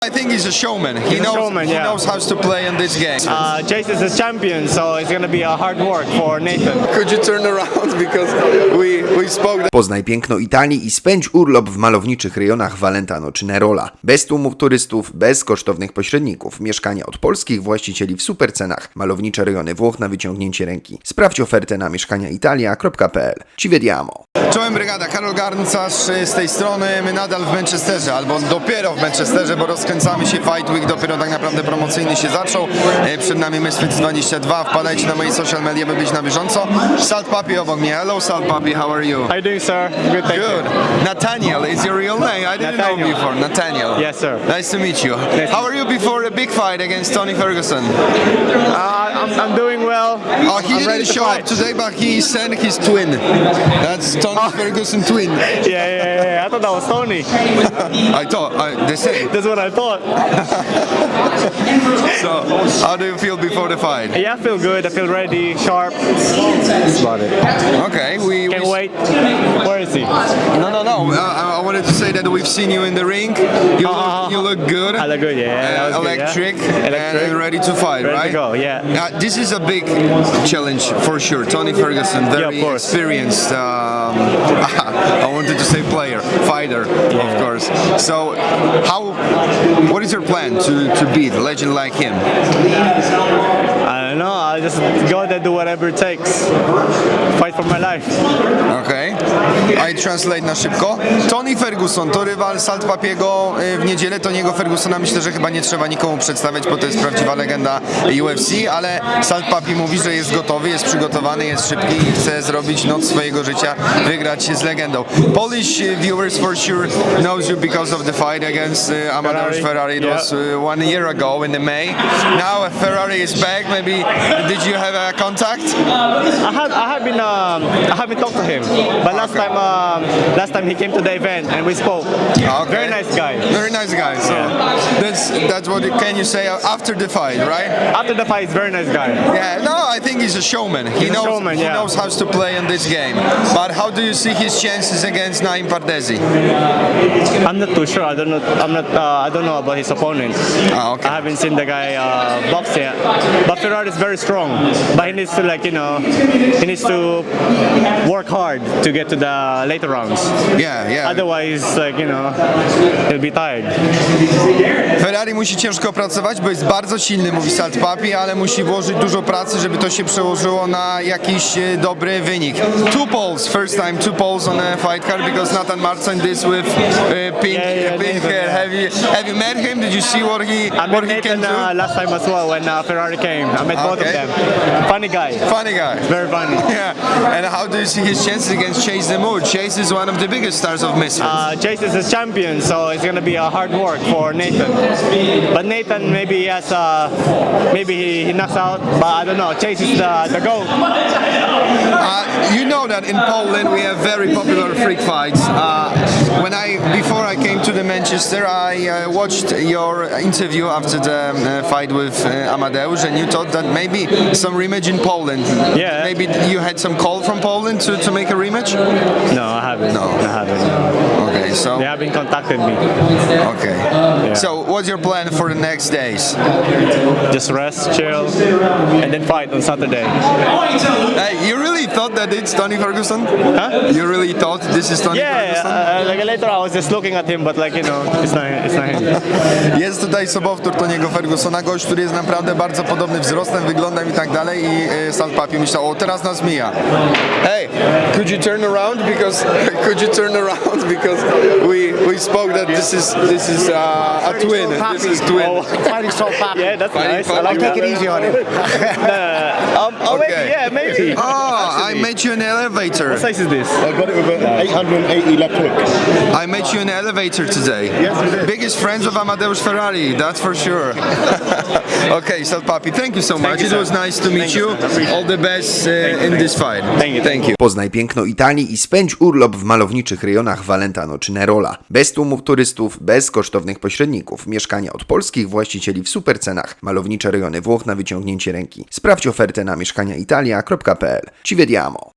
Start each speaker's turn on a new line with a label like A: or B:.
A: I think he's a showman. He knows how to play in this game.
B: Chase is a champion, so it's going to be a hard work for Nathan.
A: Could you turn around because we spoke.
C: Poznaj piękno Italii i spędź urlop w malowniczych rejonach Valentano czy Nerola. Bez tłumów turystów, bez kosztownych pośredników. Mieszkania od polskich właścicieli w supercenach. Malownicze rejony Włoch na wyciągnięcie ręki. Sprawdź ofertę na mieszkaniaitalia.pl. Ci vediamo.
A: Czołem brygada, Karol Garncarz z tej strony. My nadal w Manchesterze, albo dopiero w Manchesterze, bo rozkręcamy się. Fight Week dopiero tak naprawdę promocyjny się zaczął. Przed nami Misfits 22. Wpadajcie na moje social media, by być na bieżąco. Salt Papi obok mnie. Hello Salt Papi, how are you?
B: How you doing, sir? Good, thank
A: Good.
B: you.
A: Nathaniel is your real name. I didn't know
B: Nathaniel.
A: before. Nathaniel.
B: Yes, sir.
A: Nice to meet you. How are you before a big fight against Tony Ferguson?
B: I'm doing well.
A: Oh, he didn't show up today, but he sent his twin. That's Tony Ferguson twin.
B: Yeah. I thought that was Tony.
A: I thought they said.
B: That's what I thought.
A: So, how do you feel before the fight?
B: Yeah, I feel good. I feel ready, sharp. That's about it.
A: Okay,
B: Can't wait. Where is he?
A: No. I wanted to say that we've seen you in the ring. You look good.
B: I look good, yeah. That was good,
A: Electric,
B: yeah.
A: and ready to fight,
B: Ready
A: right?
B: to go, yeah.
A: This is a big challenge for sure. Tony Ferguson,
B: of
A: very
B: course.
A: experienced. I wanted to say player, fighter, of course. So, what is your plan to beat a legend like him?
B: I don't know. I'll just go there, do whatever it takes. Fight for my life.
A: Okay. I translate na szybko. Tony Ferguson to rywal Salt Papiego w niedzielę. Tony'ego Fergusona myślę, że chyba nie trzeba nikomu przedstawiać, bo to jest prawdziwa legenda UFC, ale Salt Papi mówi, że jest gotowy, jest przygotowany, jest szybki i chce zrobić noc swojego życia, wygrać z legendą. Polish viewers for sure knows you because of the fight against Amadeusz Ferrari. It was 1 year ago in the May. Now Ferrari is back. Maybe did you have a contact?
B: I have been talked to him, but last time he came to the event and we spoke.
A: Okay.
B: Very nice guy.
A: Very nice guy. So that's what can you say after the fight, right?
B: After the fight, he's a very nice guy.
A: Yeah, no, I think he's a showman. He knows how to play in this game. But how do you see his chances against Naim Pardesi?
B: I'm not too sure. I don't know. I don't know about his opponent.
A: Okay.
B: I haven't seen the guy box yet. But Ferrari is very strong. But he needs to he needs to work hard to get to the later rounds.
A: Yeah.
B: Otherwise, he'll be tired.
A: Ferrari musi ciężko pracować, bo jest bardzo silny, mówi Salt Papi, ale musi włożyć dużo pracy, żeby to się przełożyło na jakiś dobry wynik. Two polls, first time two polls on a fight card because Nathan Marcin this with pink hair. Have you met him? Did you see what he can do?
B: Last time as well when Ferrari came. I met both of them. Funny guy.
A: Funny guy.
B: Very funny.
A: Yeah. And how do you see his chances against Chase Demood? Chase is one of the biggest stars of Misfits.
B: Chase is a champion, so it's going to be a hard work for Nathan. But Nathan maybe maybe he knocks out, but I don't know. Chase is the GOAT.
A: You know that in Poland we have very popular freak fights. Before I came to the Manchester, I watched your interview after the fight with Amadeusz, and you thought that maybe some rematch in Poland.
B: Yeah.
A: Maybe you had some call from Poland to make a rematch?
B: No, I haven't.
A: No.
B: I haven't.
A: Okay, so.
B: They haven't contacted me.
A: Okay.
B: Yeah.
A: So, what's your plan for the next days?
B: Just rest, chill, and then fight on Saturday.
A: Hey, you really thought that it's Tony Ferguson?
B: Huh?
A: You really thought this is Tony Ferguson?
B: Later I was just looking at him, but it's not him.
A: Jest tutaj sobowtór Tony'ego Fergusona, gość, który jest naprawdę bardzo podobny wzrostem, wyglądem i tak dalej i Salt Papi myślał, o teraz nas mija. Hey, could you turn around because we spoke that this is a twin. This is twin.
D: Fighting Salt Papi.
B: Yeah, that's nice. I
A: I'll
B: like
D: Take
B: that.
D: it easy on him.
A: Okay.
B: Maybe.
A: Oh, I met you in the elevator.
B: What size is this?
D: I got it with an 880 left hook.
A: I met you in the elevator today.
D: Yes, you did.
A: Biggest friends of Amadeusz Ferrari, that's for sure. Okay, Salt Papi, thank you so much.
B: you,
A: It
B: sir.
A: was nice to meet
B: Thank you,
A: you.
B: sir. Appreciate
A: All the best in this fight.
B: Thank you.
C: Poznaj piękno Italii i spędź urlop w malowniczych rejonach Valentano czy Nerola. Bez tłumów turystów, bez kosztownych pośredników. Mieszkania od polskich właścicieli w supercenach. Malownicze rejony Włoch na wyciągnięcie ręki. Sprawdź ofertę na mieszkaniaitalia.pl. Ci vediamo.